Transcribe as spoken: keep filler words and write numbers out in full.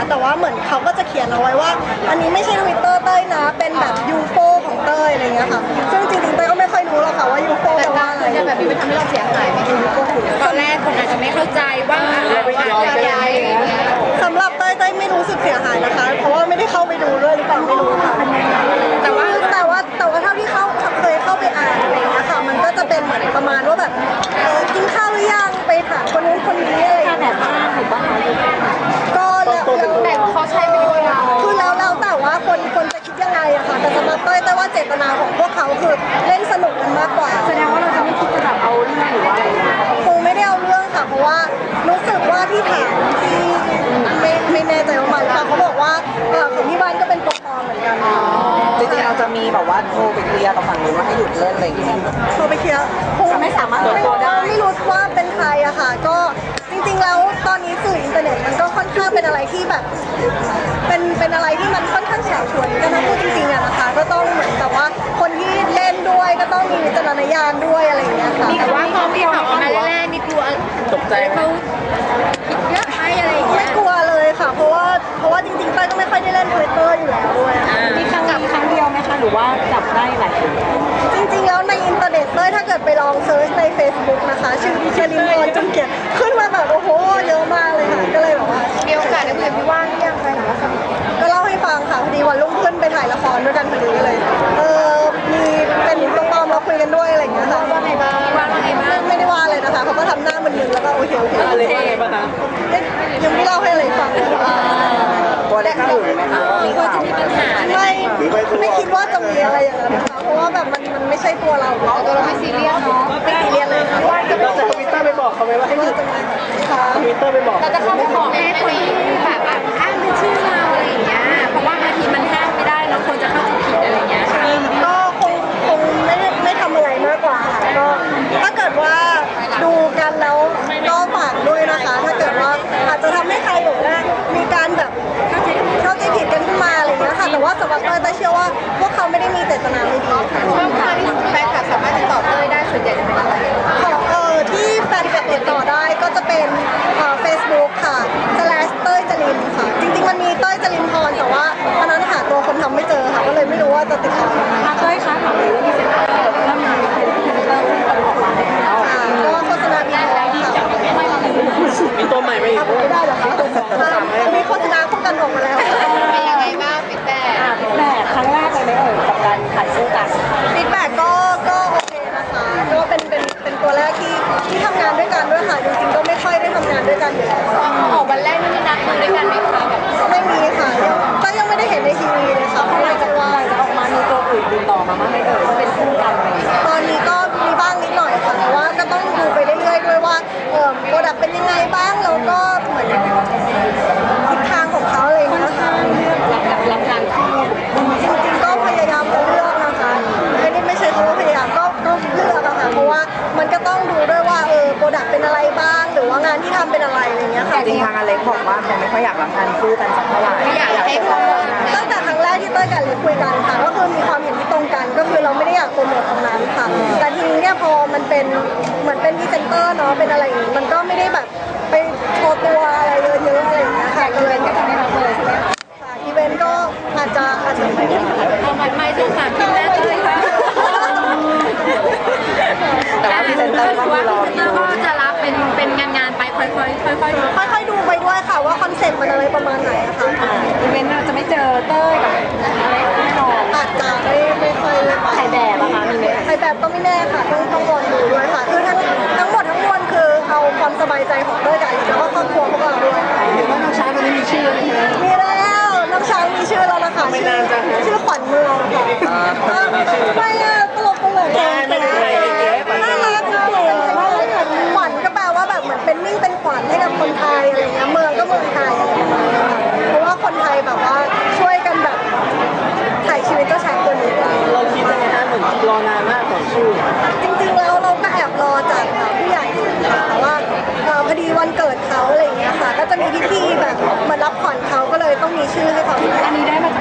แต่ว่าเหมือนเขาก็จะเขียนเอาไว้ว่าอันนี้ไม่ใช่ทวิตเตอร์เต้ยนะเป็นแบบยูโฟของเต้ยอะไรเงี้ยค่ะซึ่งจริงๆเต้ยก็ไม่ค่อยรู้หรอกค่ะว่ายูโฟแปลว่าอะไรแบบนี้มันทำให้เราเสียหายไหมตอนแรกคนอาจจะไม่เข้าใจว่าอะไรสำหรับเต้ยเต้ยไม่รู้สึกเสียหายนะคะเพราะว่าไม่ได้เข้าไปดูด้วยหรือเปล่าไม่รู้ค่ะแต่ว่าแต่ว่าแต่ว่าเท่าที่เข้าเคยเข้าไปอ่านอะไรเงี้ยค่ะมันก็จะเป็นเหมือนประมาณว่าแบบเออกินข้าวหรือยังไปถามคนนู้นคนนี้อะไรอย่างเงี้ยก็แล้วแต่เขาใช้เป็นเวลาคือแล้วแล้วแต่ว่าคนคนจะคิดยังไงอะค่ะแต่สำหรับเต้ยเต้ยว่าเจตนาของพวกเขาคือเล่นสนุกกันมากกว่าแสดงว่าเราจะไม่คิดจะแบบเอาเรื่องหรือว่าอะไรคงไม่ได้เอาเรื่องค่ะเพราะว่ารู้สึกว่าที่ถามที่ไม่ไม่แน่ใจว่ามันค่ะเขาบอกว่าเออของที่บ้านก็เป็นตัวปลอมเหมือนกันจริงๆเราจะมีแบบว่าโทรไปเคลียร์กับฝั่งนู้นว่าให้หยุดเล่นอะไรอย่างเงี้ยโทรไปเคลียร์คงไม่สามารถเปิดตัวได้ไม่รู้ว่าเป็นใครอะค่ะก็จริงๆแล้วตอนนี้สื่ออินเทอร์เน็ตมันก็ค่อนข้างเป็นอะไรที่แบบเป็นเป็นอะไรที่มันค่อนข้างเฉาฉวยกันนะพูดจริงๆอะนะคะก็ต้องเหมือนกับว่าคนที่เล่นด้วยก็ต้องมีวิจารณญาณด้วยอะไรอย่างเงี้ยค่ะแต่ว่าพอพี่เขาออกมาแรกๆนี่กลัวตกใจเขาคิดเยอะไหมอะไรอย่างเงี้ยไม่กลัวเลยค่ะเพราะว่าเพราะว่าจริงๆเต้ยก็ไม่ค่อยได้เล่นทวิตเตอร์อยู่แล้วด้วยมีครั้งมีครั้งเดียวไหมคะหรือว่าจับได้หลายคนจริงๆแล้วในอินเทอร์เน็ตเต้ยถ้าเกิดไปลองเซิร์ชใน Facebook นะคะชื่อเชลินพรจุนเกียรติขึ้นมาแบบโอ้โหเยอะมากเลยค่ะก็เลยแบบว่ามีโอกาสได้คุยกับพี่ว่างยังไงหรอคะก็เล่าให้ฟังค่ะพอดีวันรุ่งขึ้นไปถ่ายละครด้วยกันพอดีก็เลยเออมีเป็นตัวปลอมมาคุยกันด้วยอะไรอย่างเงี้ยค่ะว่าไงบ้างว่าไงบ้างไม่ได้ว่าเลยนะคะเขาก็ทำหน้ามึนๆแล้วก็โอเคโอเคอะไรว่าไงบ้างคะยังไม่เล่าให้อะไรฟังเลยค่ะตัวได้ข้าวหรือไหมคะมีข่าวไม่ไม่คิดว่าจะมีอะไรอย่างนั้นนะคะเพราะว่าแบบมันมันไม่ใช่ตัวเราตัวเราไม่ซีเรียสเนาะไม่ซีเรียสเลยว่าจะเราจะทวิตเตอร์ไปบอกเขาไหมว่าให้หยุดทวิตเตอร์ไปบอกเราจะเข้าไปขอแม่คนที่แบบอ้างเป็นชื่อเราอะไรอย่างเงี้ยเพราะว่าบางทีมันห้ามไม่ได้เราควรจะเข้าใจผิดอะไรอย่างเงี้ยก็คงคงไม่ไม่ทำอะไรมากกว่าค่ะก็ถ้าเกิดว่าดูกันแล้วก็ฝากด้วยนะคะถ้าเกิดว่าอาจจะทำให้ใครแบบว่ามีการแบบเข้าใจผิดกันขึ้นมาอะไรอย่างเงี้ยค่ะแต่ว่าสำหรับเต้ยเต้ยเชื่อว่าพวกเขาไม่ได้มีเจตนาไม่ดีค่ะช่องทางที่แฟนคลับสามารถติดต่อเต้ยได้ส่วนใหญ่จะเป็นอะไรของเออที่แฟนคลับติดต่อได้ก็จะเป็นเอ่อ Facebook ค่ะ slash เต้ยจรินค่ะจริงๆมันมีเต้ยจรินพรแต่ว่าตอนนั้นหาตัวคนทำไม่เจอค่ะก็เลยไม่รู้ว่าจะติดต่อเต้ยคะถามเลยว่ามีเซ็นเตอร์เริ่มมีเซ็นเตอร์ขึ้นออกมาแล้วก็โฆษณามีแล้วค่ะมีตัวใหม่ไหมอีกไม่ได้หรอคะมีโฆษณาคู่กันออกมาแล้วเป็นยังไงบ้างฟีดแบ็กฟีดแบ็กครั้งแรกเลยไหมเอ่ยกับการถ่ายคู่กันฟีดแบ็กก็ก็โอเคนะคะก็เป็นเป็นเป็นตัวแรกที่ที่ทำงานด้วยกันด้วยค่ะจริงๆก็ไม่ค่อยได้ทำงานด้วยกันอยู่แล้วออกวันแรกนี่มีนัดคุยด้วยกันไหมคะแบบไม่มีค่ะก็ยังไม่ได้เห็นในทีวีเลยค่ะเพราะว่าจะว่าจะออกมามีตัวอื่นติดต่อมาบ้างไหมเอ่ยว่าเป็นคู่กันอะไรตอนนี้ก็มีบ้างนิดหน่อยค่ะแต่ว่าก็ต้องดูไปเรื่อยๆด้วยว่าเออโปรดักต์เป็นยังไงบ้างแล้วก็เหมือนทิศทางของเขาเลยนะคะรับรับงานคู่จริงๆก็พยายามจะเลือกนะคะไม่ได้ไม่ใช่คำว่าพยายามก็ก็เลือกอะค่ะเพราะว่ามันก็ต้องดูด้วยว่าเออโปรดักต์เป็นอะไรบ้างหรือว่างานที่ทำเป็นอะไรอะไรเงี้ยค่ะจริงๆทางอเล็กบอกว่าเขาไม่ค่อยอยากรับงานคู่กันสักเท่าไหร่อยากให้คู่ตั้งแต่ครั้งแรกที่เต้ยกับอเล็กคุยกันค่ะก็คือมีความเห็นที่ตรงกันก็คือเราไม่ได้อยากโปรโมทตรงนั้นค่ะแต่ทีนี้เนี่ยพอมันเป็นเหมือนเป็นพรีเซนเตอร์เนาะเป็นอะไรอย่างงี้มันก็ไม่ได้แบบไปโชว์ตัวอะไรเยอะๆอะไรอย่างเงี้ยค่ะก็เลยก็จะไม่รับเลยใช่ไหมคะอีเวนต์ก็อาจจะอาจจะไม่ได้เอามันไม่ถึงสามทีแรกเลยค่ะแต่ว่าพรีเซนเตอร์ก็คือรอก็จะรับเป็นเป็นงานงานไปค่อยๆค่อยๆค่อยๆดูไปด้วยค่ะว่าคอนเซ็ปต์มันอะไรประมาณไหนอะค่ะอีเวนต์เราจะไม่เจอเต้ยกับอะไรแน่นอนอาจจะไม่ไม่ค่อยถ่ายแบบอะคะมีไหมถ่ายแบบก็ไม่แน่ค่ะต้องต้องรอดูด้วยค่ะคือทั้งทั้งหมดทั้งมวลคือเอาความสบายใจของเต้ยกับแล้วก็ครอบครัวพวกเราด้วยเห็นว่าน้องช้างตอนนี้มีชื่อแล้วใช่ไหมมีแล้วน้องช้างมีชื่อแล้วนะคะไม่นานจังชื่อขวัญเมืองค่ะไม่อะตลกตลกเลยน่ารักมากเลยขวัญก็แปลว่าแบบเหมือนเป็นมิ่งเป็นขวัญให้กับคนไทยอะไรเงี้ยเมืองก็เมืองไทยเพราะว่าคนไทยแบบว่าช่วยกันแบบถ่ายชีวิตเจ้าชายตัวนี้เราคิดยังไงฮะเหมือนรอนานมากของชื่อจริงๆแล้วเราก็แอบรอจากผู้ใหญ่ค่ะแต่ว่าพอดีวันเกิดเขาอะไรเงี้ยค่ะก็จะมีพิธีแบบเหมือนรับขวัญเขาก็เลยต้องมีชื่อให้เขาอันนี้ได้มา